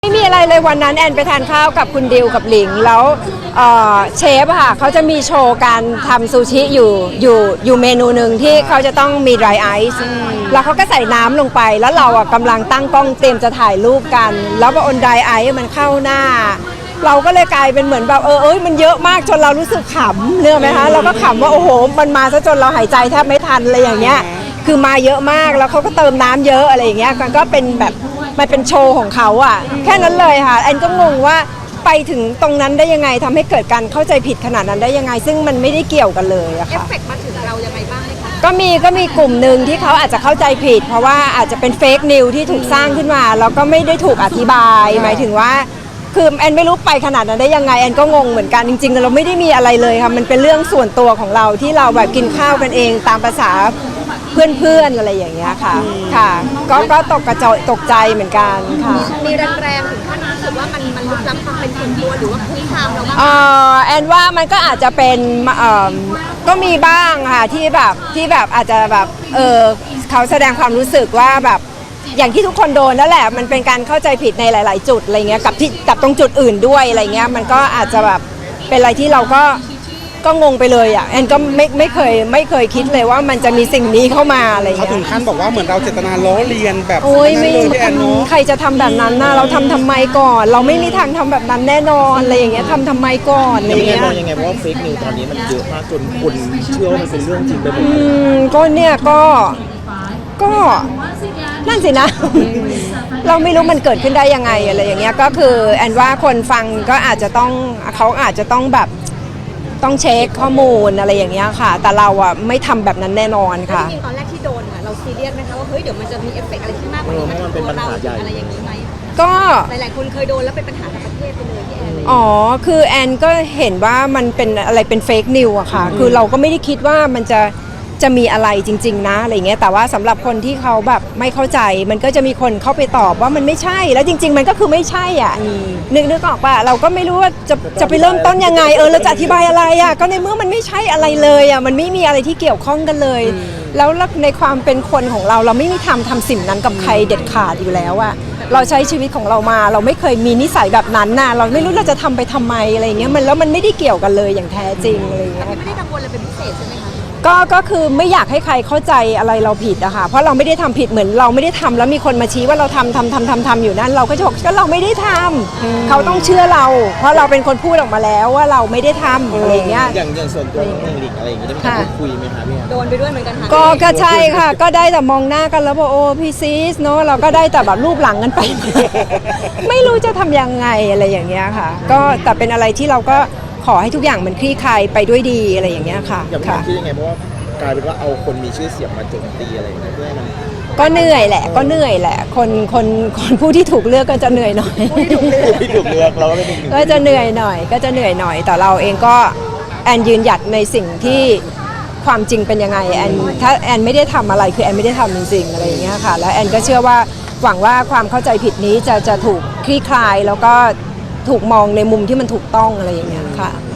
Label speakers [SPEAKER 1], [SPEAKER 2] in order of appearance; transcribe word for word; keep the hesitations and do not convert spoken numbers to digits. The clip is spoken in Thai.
[SPEAKER 1] ไม่มีอะไรเลยวันนั้นแอนไปทานข้าวกับคุณดิวกับหลิงแล้วเชฟอะค่ะเขาจะมีโชว์การทำซูชิอยู่อยู่อยู่เมนูหนึ่งที่เขาจะต้องมี dry ice แล้วเขาก็ใส่น้ำลงไปแล้วเราอะกำลังตั้งกล้องเตรียมจะถ่ายรูปกันแล้วพอ on dry ice มันเข้าหน้าเราก็เลยกลายเป็นเหมือนแบบเออเอ้ยมันเยอะมากจนเรารู้สึกขำเนื่องไหมคะเราก็ขำว่าโอ้โหมันมาซะจนเราหายใจแทบไม่ทันอะไรอย่างเงี้ยคือมาเยอะมากแล้วเขาก็เติมน้ำเยอะอะไรอย่างเงี้ยมันก็เป็นแบบมันเป็นโชว์ของเขาอ่ะแค่นั้นเลยค่ะแอนก็งงว่าไปถึงตรงนั้นได้ยังไงทำให้เกิดการเข้าใจผิดขนาดนั้นได้ยังไงซึ่งมันไม่ได้เกี่ยวกันเลยอะค่ะเอฟเฟกต์มาถึงเรายังไงบ้างก็มีก็มีกลุ่มหนึ่งที่เขาอาจจะเข้าใจผิดเพราะว่าอาจจะเป็นเฟกนิวที่ถูกสร้างขึ้นมาแล้วก็ไม่ได้ถูกอธิบายหมายถึงว่าคือแอนไม่รู้ไปขนาดนั้นได้ยังไงแอนก็งงเหมือนกันจริงๆเราไม่ได้มีอะไรเลยค่ะมันเป็นเรื่องส่วนตัวของเราที่เราแบบกินข้าวกันเองตามภาษาเพื่อนๆอะไรอย่างเงี้ยค่ะค่ะก็ก็ตกกระจตกใจเหมือนกันค่ะ
[SPEAKER 2] มีแรงๆถึงขั้นรู้สึกว่ามันมันลุกล้ำความเป็นส่วนตัวหรือว่าคุกคามเราบ้าง
[SPEAKER 1] เอ่อแอนว่ามันก็อาจจะเป็นเอ่อก็มีบ้างค่ะที่แบบที่แบบอาจจะแบบเออเขาแสดงความรู้สึกว่าแบบอย่างที่ทุกคนโดนนั่นแหละมันเป็นการเข้าใจผิดในหลายๆจุดอะไรเงี้ยกับที่กับตรงจุดอื่นด้วยอะไรเงี้ยมันก็อาจจะแบบเป็นอะไรที่เราก็ก็งงไปเลยอ่ะแอนก็ไม่ไม่เคยไม่เคยคิดเลยว่ามันจะมีสิ่งนี้เข้ามาอะไรเงี้ย
[SPEAKER 3] เขาถึงขั้นบอกว่าเหมือนเราเจตนาล้อเลียนแบบ
[SPEAKER 1] โอ้ย
[SPEAKER 3] นั้น
[SPEAKER 1] ไม่
[SPEAKER 3] เลยพี่แอนเนาะ
[SPEAKER 1] ใครจะทำแบบนั้นนะเราทำทำไมก่อน เราไม่มีทางทำแบบนั้นแน่นอนอะไรอย่างเงี้ยทำทำไมก่อนอะไร
[SPEAKER 4] ยังไง
[SPEAKER 1] เงี้ย
[SPEAKER 4] มองยังไงเพราะว่าเฟกนิวตอนนี้มันเยอะมากจนคนเชื่อว่ามันเป็นเรื่องจริงไปหมด
[SPEAKER 1] อืมก็เนี่ยก็ก็นั่นสินะ เราไม่รู้มันเกิดขึ้นได้ยังไงอะไรอย่างเงี้ยก็คือแอนว่าคนฟังก็อาจจะต้องเขาอาจจะต้องแบบต้องเช็คข้อมูลอะไรอย่างเงี้ยค่ะแต่เราอ่ะไม่ทำแบบนั้นแน่นอนค่ะ
[SPEAKER 2] จริงๆตอนแรกที่โดนอ่ะเราซีเรียสไหมคะว่าเฮ้ยเดี๋ยวมันจะมีเอฟเฟกต์อะไรที่มากกว่านี้มาถึงตัวเราอะไรอย่างนี้ไหม
[SPEAKER 1] ก็
[SPEAKER 2] หลายๆคนเคยโดนแล้วเป็นปัญหากับประเทศไปเลยพี่แอน
[SPEAKER 1] อ๋อคือแอนก็เห็นว่ามันเป็นอะไรเป็นเฟกนิวอะค่ะคือเราก็ไม่ได้คิดว่ามันจะจะมีอะไรจริงๆนะอะไรเงี้ยแต่ว่าสำหรับคนที่เขาแบบไม่เข้าใจมันก็จะมีคนเข้าไปตอบว่ามันไม่ใช่แล้วจริงๆมันก็คือไม่ใช่อ่ะนึกนึกออกป่ะเราก็ไม่รู้ว่าจะจะไปเริ่มต้นยังไงเออเราจะอธิบายอะไรอ่ะก็ในเมื่อมันไม่ใช่อะไรเลยอ่ะมันไม่มีอะไรที่เกี่ยวข้องกันเลยแล้วในความเป็นคนของเราเราไม่มีทำทำสิ่งนั้นกับใครเด็ดขาดอยู่แล้วอ่ะเราใช้ชีวิตของเรามาเราไม่เคยมีนิสัยแบบนั้นน่ะเราไม่รู้เราจะทำไปทำไมอะไรเงี้ยมันแล้วมันไม่ได้เกี่ยวกันเลยอย่างแท้จริงอะไรเงี้ย
[SPEAKER 2] ไม่ได้กังวลอะไรเป็นพิเศษใช่ไหมคะ
[SPEAKER 1] ก็ก็คือไม่อยากให้ใครเข้าใจอะไรเราผิดอะค่ะเพราะเราไม่ได้ทำผิดเหมือนเราไม่ได้ทำแล้วมีคนมาชี้ว่าเราทำทำทำทำทำอยู่นั่นเราก็จะบอกก็เราไม่ได้ทำเขาต้องเชื่อเราเพราะเราเป็นคนพูดออกมาแล้วว่าเราไม่ได้ทำอะไรเงี้ย
[SPEAKER 4] อย่างอย่างส่วนตัวของหลิงอะไรอย่างเงี้ยได้มีการคุยไหมคะพี่
[SPEAKER 2] โดนไปด้วยเหมือนกันค่ะ
[SPEAKER 1] ก็ก็ใช่ค่ะก็ได้แต่มองหน้ากันแล้วบอกโอ้พี่ซีสเนาะเราก็ได้แต่แบบรูปหลังกันไป ไม่รู้จะทำยังไงอะไรอย่างเงี้ยค่ะก็แต่เป็นอะไรที่เราก็ขอให้ทุกอย่างมันคลี่คลายไปด้วยดีอะไรอย่างเงี้ยค่ะ
[SPEAKER 4] อย่างพี่คิดยังไงเพราะว่ากลายเป็นว่าเอาคนมีชื่อเสียงมาโจมตีอะไรอย่างเงี้ยเพื่อให้มัน
[SPEAKER 1] ก็เหนื่อยแหละก็เหนื่อยแหละคนคนคนผู้ที่ถูกเลือกก็จะเหนื่อยหน่อย
[SPEAKER 4] ผู้ที่ถูกเลือกที่ถูกเลือกเราก็เป็นหนึ่ง
[SPEAKER 1] ก็จะเหนื่อยหน่อยก็จะเหนื่อยหน่อยแต่เราเองก็แอนยืนหยัดในสิ่งที่ความจริงเป็นยังไงแอนถ้าแอนไม่ได้ทำอะไรคือแอนไม่ได้ทำจริงๆอะไรอย่างเงี้ยค่ะแล้วแอนก็เชื่อว่าหวังว่าความเข้าใจผิดนี้จะจะถูกคลี่คลายแล้วก็ถูกมองในมุมที่มันถูกต้องอะไรอย่างเงี้ยค่ะ